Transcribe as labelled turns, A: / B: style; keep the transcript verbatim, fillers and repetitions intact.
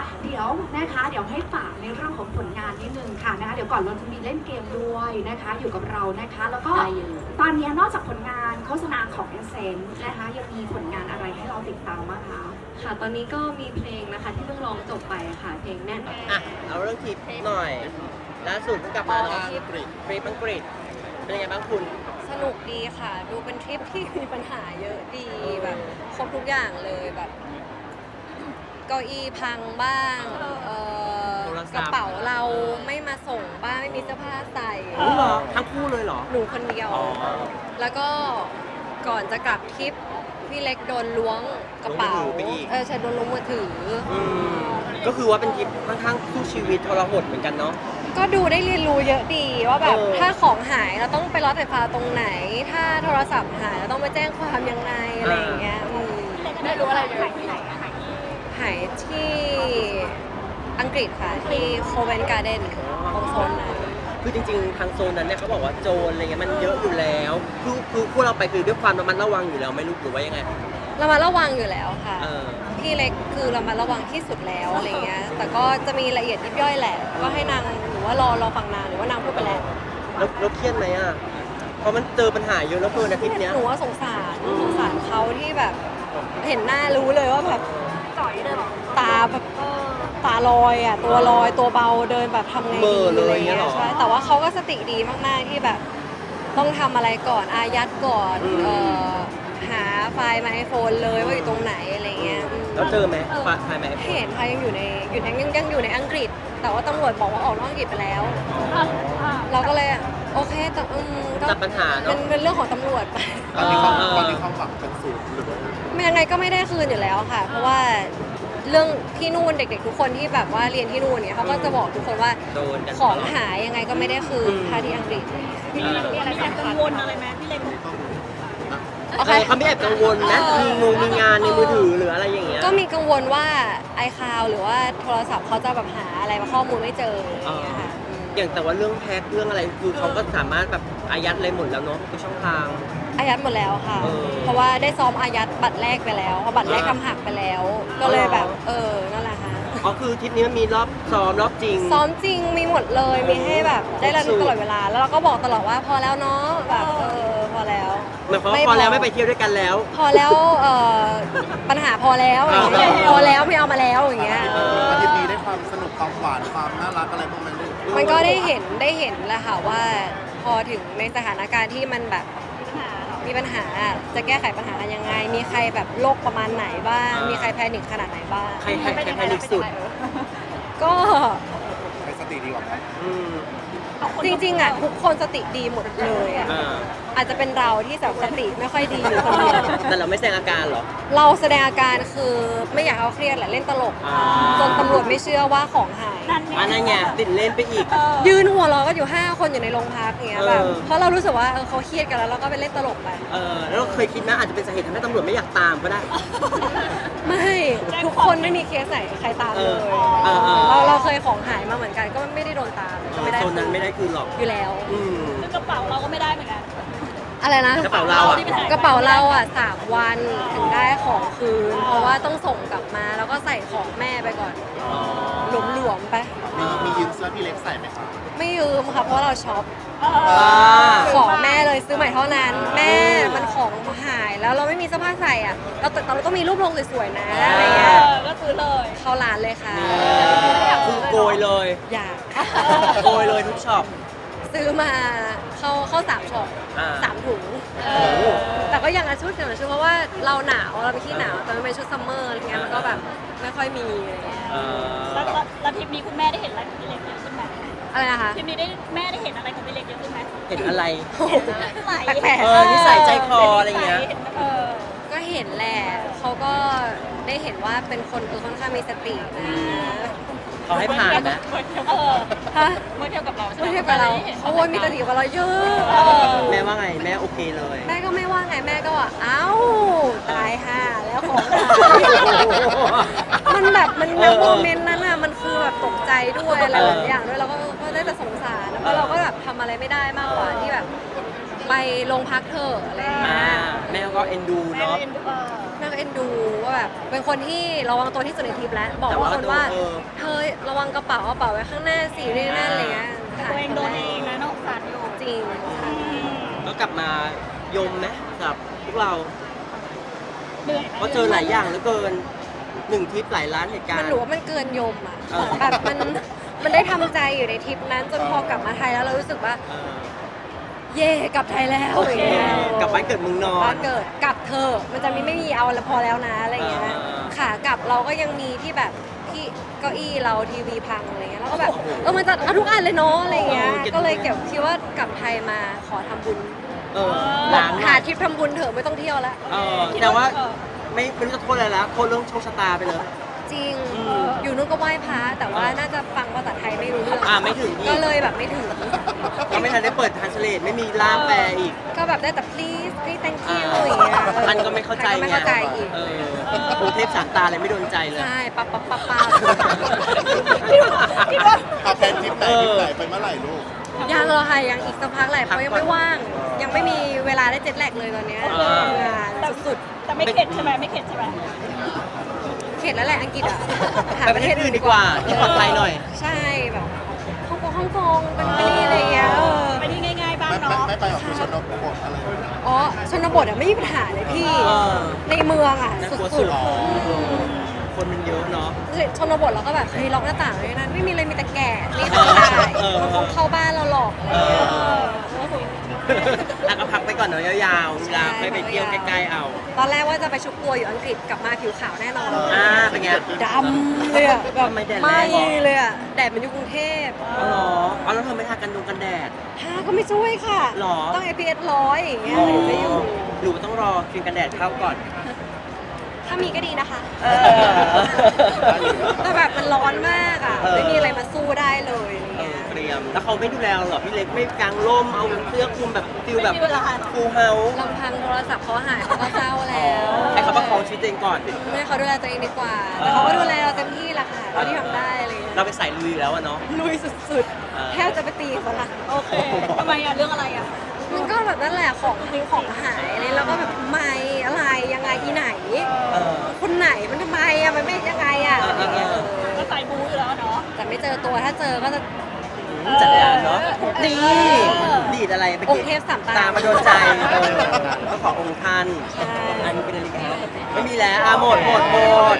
A: เดี๋ยวนะคะเดี๋ยวให้ฝากในเรื่องของผลงานนิดนึงค่ะนะคะเดี๋ยวก่อนเราจะมีเล่นเกมด้วยนะคะอยู่กับเรานะคะแล้วก็ตอนนี้นอกจากผลงานโฆษณาของ เอส เซนส์ นะคะยังมีผลงานอะไรให้เราติดตามบ้างคะ
B: ค่ะตอนนี้ก็มีเพลงนะคะที่เพิ่งร้องจบไปค่ะเพลงแน่น
C: อ่ะเอาเรื่องทริปหน่อยล่าสุดเพิ่งกลับมาเนาะทริปทริปอังกฤษเป็นยังไงบ้างคุณ
B: สนุกดีค่ะ ดูเป็นทริปที่มีปัญหาเยอะดีแบบครบทุกอย่างเลยแบบเก้าอี้พังบ้างเอ่อกระเป๋าเราไม่มาส่งบ้างไม่มีเสื้อผ้าใส่
C: รู้เหรอทั้งคู่เลยเหรอ
B: หนูคนเดียวแล้วก็ก่อนจะกลับทริปพี่เล็กโดนล้วงกระเป๋าเออใช่โดนล้วงมือถือ
C: ก็คือว่าเป็นทริปค่อนข้างสู้ชีวิตทรหดเหมือนกันเนาะ
B: ก็ดูได้เรียนรู้เยอะดีว่าแบบถ้าของหายเราต้องไปรถไฟฟ้าตรงไหน ถ้าโทรศัพท์หายเราต้องไปแจ้งความยังไงอะไรอย่างเงี้ย
A: ได้รู้อะไรหายที่ไหน
B: หายที่อังกฤษค่ะที่โคเวนการ์เดนตรงโซนนั้น
C: คือจริงๆทางโซนนั้นเนี่ยเขาบอกว่าโจรอะไรเงี้ยมันเยอะอยู่แล้วคือคือพวกเราไปคือด้วยความระมัดระวังอยู่แล้วไม่รู้หรือว่ายังไง
B: ระมัดระวังอยู่แล้วค่ะพี่เล็กคือระมัดระวังที่สุดแล้วอะไรเงี้ยแต่ก็จะมีละเอียดยิบย่อยแหละก็ให้นางหรือว่ารอรอฟังนางหรือว่านางพูดไปแล้ว
C: แล้วแล้วเครียดไหมอ่ะเพราะมันเจอปัญหาเยอะแล้วเกินอาทิตย์เนี้ย
B: หนูว่าสงสารสงสารเขาที่แบบเห็นหน้ารู้เลยว่าแบบ
A: จ่อยเลยหรอ
B: ตาแบบตาลอยอ่ะตัวลอยตัวเบาเดินแบบทำไงดีอะไรเงี้ยใช่แต่ว่าเขาก็สติดีมากๆที่แบบต้องทำอะไรก่อนอายัดก่อนเอ่อหาไฟล์มาไอโฟนเลยว่าอยู่ตรงไหนอะไรเงี้ย
C: แล้วเจอไหมไฟล์มาไอโฟน
B: เห็นค่ะยังอยู่ในอยู่ยังยังอยู่ในอังกฤษแต่ว่าตำรวจบอกว่าออกนอกอังกฤษไปแล้วเราก็เลยโอเคแต่อืมก็
C: ตัดปัญหาเนาะ
B: เป็นเรื่องของตำรวจไป
D: ตอนนี้เขาตอนนี้เขาหวังเป็นศูนย์หรือว่า
B: ไม่ยังไงก็ไม่ได้คืนอยู่แล้วค่ะเพราะว่าเรื่องที่นู่นเด็กๆทุกคนที่แบบว่าเรียนที่นู่นเนี่ยเขาก็จะบอกทุกคนว่าของหายยังไงก็ไม่ได้คืนถ้าที่อังกฤษ
A: มีอะไรกังวลอะไรไหมพี่เล็ก
C: เขาไม่แอบกังวลนะมีงงมีงานในมือถือหรืออะไรอย่างเงี้ย
B: ก็มีกังวลว่าไอคาวหรือว่าโทรศัพท์เขาจะแบบหาอะไรมาข้อมูลไม่เจออย่างเงี้ยค่ะ
C: อย่างแต่ว่าเรื่องแพ็คเรื่องอะไรคือเขาก็สามารถแบบอายัดอะไรหมดแล้วเนาะทุกช่องทาง
B: อายัดหมดแล้วค่ะเพราะว่าได้ซ้อมอายัดบัตรแรกไปแล้วเพราะบัตรแรกทำหักไปแล้วก็เลยแบบเออนั่นแหละค่ะ
C: อ๋อคือทริปนี้มันมีรอบซ้อมรอบจริง
B: ซ้อมจริงมีหมดเลยมีให้แบบได้ระลึกตลอดเวลาแล้วเราก็บอกตลอดว่าพอแล้วเนาะแบบเออพอแล้ว
C: หมายความว่าพอแล้วไม่ไปเที่ยวด้วยกันแล้ว
B: พอแล้วเอ่อปัญหาพอแล้วอย่างเงี้ยพอแล้วไม่เอามาแล้วอย่างเงี้ย
D: อาทิตย์นี้ได้ความสนุกความหวานความน่ารักอะไรพวกนั้นด้วย
B: มันก็ได้เห็นได้เห็นแหละค่ะว่าพอถึงในสถานการณ์ที่มันแบบมีปัญหาจะแก้ไขปัญหากันยังไงมีใครแบบโรคประมาณไหนบ้างมีใครแพนิคขนาดไหนบ้าง
C: ใครใครแพนิคสุด
B: ก็
D: ใครสติดีกว่ากัน
B: จริงๆอ่ะทุกคนสติดีหมดเลยอ่ะอาจจะเป็นเราที่แบบสติไม่ค่อยดีอยู่คนเดียว
C: แต่เราไม่แสดงอาการหรอ
B: เราแสดงอาการคือไม่อยากเขาเครียดแหละเล่นตลกจนตำรวจไม่เชื่อว่าของหาย
C: อันนั้นไงติดเล่นไปอีก
B: ยืนหัวเราะก็อยู่ห้าคนอยู่ในโรงพักอย่างเงี้ยแบบเพราะเรารู้สึกว่าเขาเครียดกันแล้วเราก็ไปเล่นตลกไป
C: เออแล้วเคยคิดนะอาจจะเป็นสาเหตุทำให้ตำรวจไม่อยากตามก็ได้
B: ไม่ทุกคนไม่มีเคสไหนใครตามเลยเราเราเคยของหายมาเหมือนกันก็ไม่ได้โดนตามก็ไม่ได้
C: โซนนั้นไม่ได้คืนหรอก
B: อยู่แล้ว
A: กระเป๋าเราก็ไม่ได้เหมือนกัน
B: อะไรนะ
C: กระเป๋าเราอ่ะ
B: กระเป๋าเราอ่ะสามวันถึงได้ของคืนเพราะว่าต้องส่งกลับมาแล้วก็ใส่ของแม่ไปก่อนหลวมๆไป
D: มีมียืมเสื้อพี่เล็กใส่ไหมคะ
B: ไม่ยืมค่ะเพราะเราช็อปขอแม่เลยซื้อใหม่เท่านั้นแม่มันของหายแล้วเราไม่มีเสื้อผ้าใส่อ่ะเราแต่เราต้องมีรูปลงสวยๆนะอะไรเงี้ย
A: ก็ซื้อเลย
B: เข้าร้านเลยค่ะ
C: คือโกยเลย
B: อยาก
C: โกยเลยทุกช็อป
B: ซื้อมาเข้าเข้าสามช็อปสามถุงแต่ก็ยังชุดเดียวชุดเพราะว่าเราหนาวเราไปที่หนาวแต่มันเป็นชุดซัมเมอร์อะไรเงี้ยมันก็แบบไม่ค่อยมีอะไรเงี้ย
A: แล้วแล้วทริปนี้คุณแม่ได้เห็นอะไรของพี่เล็กเยอะขึ้นไหม
B: อะไรนะคะ
A: ทริปนี้ได้แม่ได้เห็นอะไรของพี่เล็กเยอะขึ้นไหม
C: เห็นอะไร
B: แปลก
C: ๆเออนิสัยใจคออะไรเงี้ย
B: ก็เห็นแหละเขาก็ได้เห็นว่าเป็นคนเออค่อนข้างมีสตินะ
C: เขาให้ผ่านนะ
B: ฮะ
A: เมื่อเทียบกับเรา
B: เมื่อเทียบกับเราโอ้ยมีสติกว่าเราเยอะ
C: แม่ว่าไงแม่โอเคเลย
B: แม่ก็ไม่ว่าไงแม่ก็ว่าเอ้าตายห่าแล้วของมันแบบมันในโมเมนต์นั้นอ่ะมันคือแบบตกใจด้วยอะไรหลายอย่างด้วยเราก็ก็ได้แต่สงสารแล้วเราก็แบบทำอะไรไม่ได้มากกว่าที่แบบไปโรงพักเถอะอะไรอย่างเงี้ย
C: แม่ก็เอ็นดูเนาะ
B: แม่เอ็นดูว่าแบบเป็นคนที่ระวังตัวที่สุดในทริปแล้วบอกว่าคนว่าเธอระวังกระเป๋ากระเป๋าไว้ข้างหน้าสินี่นั่นอะไรเงี้ย
E: ตัวเองโดนเองนะน้องสารอยู่
B: จริง
C: ก็กลับมายมไหมกับพวกเรา
E: เหนื่อย
C: เพราะเจอหลายอย่างเหลือเกินหนึ่งทริปหลายล้านเหตุการ
B: มัน
C: ณ์
B: หนูว่ามันเกินยมอ่ะ
C: เออ
B: แบบมันมันได้ทำใจอยู่ในทริปนั้นจนพอกลับมาไทยแล้วเรารู้สึกว่า
C: เออ
B: เย่กลับไทยแล้วอย่างเงี้ย
C: กลับบ้านเกิดเมืองนอ
B: บ้าน นเกิดกลับเธอะมันจะมีไม่มีเอาแล้วพอแล้วนะอะไรเงี้ย
C: เออ
B: ขากลับเราก็ยังมีที่แบบที่เก้าอี้เราทีวีพังอะไรเงี้ยแล้วก็แบบเออมันจะเอาทุกอันเลยเนาะอะไรเงี้ยก็เลยเก็บคิดว่ากลับไทยมาขอทำบุญ
C: เออล้าง
B: หาทริปทำบุญเถอะไม่ต้องเที่ยวแล้ว
C: เออแต่ว่าไม่ไม่รู้จะโทษอะไรแล้วโทษเรื่องโชคชะตาไปเลย
B: จริง
C: อืม
B: อยู่นู้นก็ไหว้พระแต่ว่าน่าจะฟังภาษาไทยไม่รู้เรื่อง
C: อ่าไม่ถึงอีก
B: ก็เลยแบบไม่ถึง
C: ก็ไม่ทันได้เปิดทานสเลตไม่มีล่ามแปลอีก
B: ก็แบบได้แต่ please please thank
C: อ่า
B: you อย่างเงี้ย
C: ท่านก็ไม่เข้าใจ
B: ท่นก็ไม่เข้าใจอีก
C: เออกรุงเทพสามตาเลยไม่โดนใจเลย
B: ใช่ปั๊บปั๊บปั๊บปั๊บ
D: เอาแพนทริปไหนทริปไหนไปเมื่อไหร่ลูก
B: ยังเหรอค่ะยังอีกสักพักแหละเพ
C: พัก
B: ราะยัง
C: ก่อน
B: ไม่ว่าง ยังไม่มีเวลาได้เจ็ตแลกเลยตอนเนี้ย
C: อ่า
B: งานสุด
E: แต่ไม่เข็ดใช่ไหมไม่เข็ดใช่ไหม
B: ๆเข็ดแล้วแหละอังกฤษอ่ะ
C: ไปประเทศอื่นดีกว่าที่ปลอดภัยหน่อย
B: ใช่แบบฮ่องกงฮ่องกงเป็นไปอะไรอย่างเงี้ยเออ
E: ไปที่ง่ายๆบ้าง
D: ไม่ไม่
E: เนาะ
D: ไม่ไปออกคือชนบทอะไร
B: อ๋อชนบทอ่ะไม่มีปัญหาเลยพี่
C: เออ
B: ในเมืองอ่ะ
C: น่าก
B: สุ
C: ลัวสุ
B: ด
C: ด
B: ๆ
C: คนมันเยอะเนาะ
B: ชนบทเราก็แบบเฮ้ยล็อกหน้าต่างเลยนะไม่มีเลยมีแต่แก่นี่ทำได้
C: เออ
B: มันคงเข้าบ้านเราหรอก
C: เออแล้วก็พักไปก่อนเนาะยาวๆเวลาไปไปเที่ยวใกล้ๆเอา
B: ตอนแรกว่าจะไปชุบตัวอยู่อังกฤษกลับมาผิวขาวแน่นอน
C: อ่าเป็นไง
B: ดำเลยอะแบบ
C: ทำไมแดดแรง
B: ไหม่
C: เหรอ
B: เลยอะแดดมันอยู่กรุงเทพ
C: อ๋อเหรอเอาแล้วเธอไม่ทากันดงกันแดด
B: ทาก็ไม่ช่วยค่ะ
C: หรอ
B: ต้อง เอ พี เอส ร้อยอย่างเงี้ยถึงจะอยู่
C: หรือว่าต้องรอครีมกันแดดเข้าก่อน
B: ถ้ามีก็ดีนะคะ
C: เออ
B: แต่แบบมันร้อนมากอะ
C: เออ
B: ไม่มีอะไรมาสู้ได้เลยอะไร
C: เอ
B: เงี้
C: อย เตรียมแล้วเขาไม่ดูแลเราเหรอพี่เล็กไม่กางร่มเอาเสื้อคลุมแบบฟิลแบบ
E: ไม่มีเวลา
C: ฟูลเฮาส์
B: ลำพังโทรศัพท์เขาหายเขาก็เศร้าแล้ว
C: ให้เขาประคองชีวิตตัวเองก่อน
B: ให้เขาดูแลตัวเองดีกว่า แต่เขาก็ดูแลเราเต็มที่แหละค่ะเท่าที่ทำได้อะไรเลย
C: เราไปใส่ลุยอยู่แล้วอะเนาะ
B: ลุยสุด
C: เออ
B: ๆ แทบจะไปตีเขาละ
E: โอเคทำไมอ่ะเรื่องอะไรอ่ะ
B: มันก็แบบนั่นแหละของทิ้งของหายอะไรแล้วก็แบบไม่อะไรยังไงอีไหน
C: เออ
B: คนไหนมันทำไมอะมันไม่ยังไงอะ
C: เออเออเออ
E: ก็ใส่บูอยู่แล้วเนาะ
B: แต่ไม่เจอตัวถ้าเจอก็จะ
C: จัดการเนาะ
B: เออ
C: นี่ดีดอะไรไป
B: องค์เทพสามตา
C: ตามาโดนใจเออก็ขอองค์ท่าน
B: ใช่
C: อันนี้เป็นอะไรกันไม่มีแล้วอ่ะหมดหมดหมด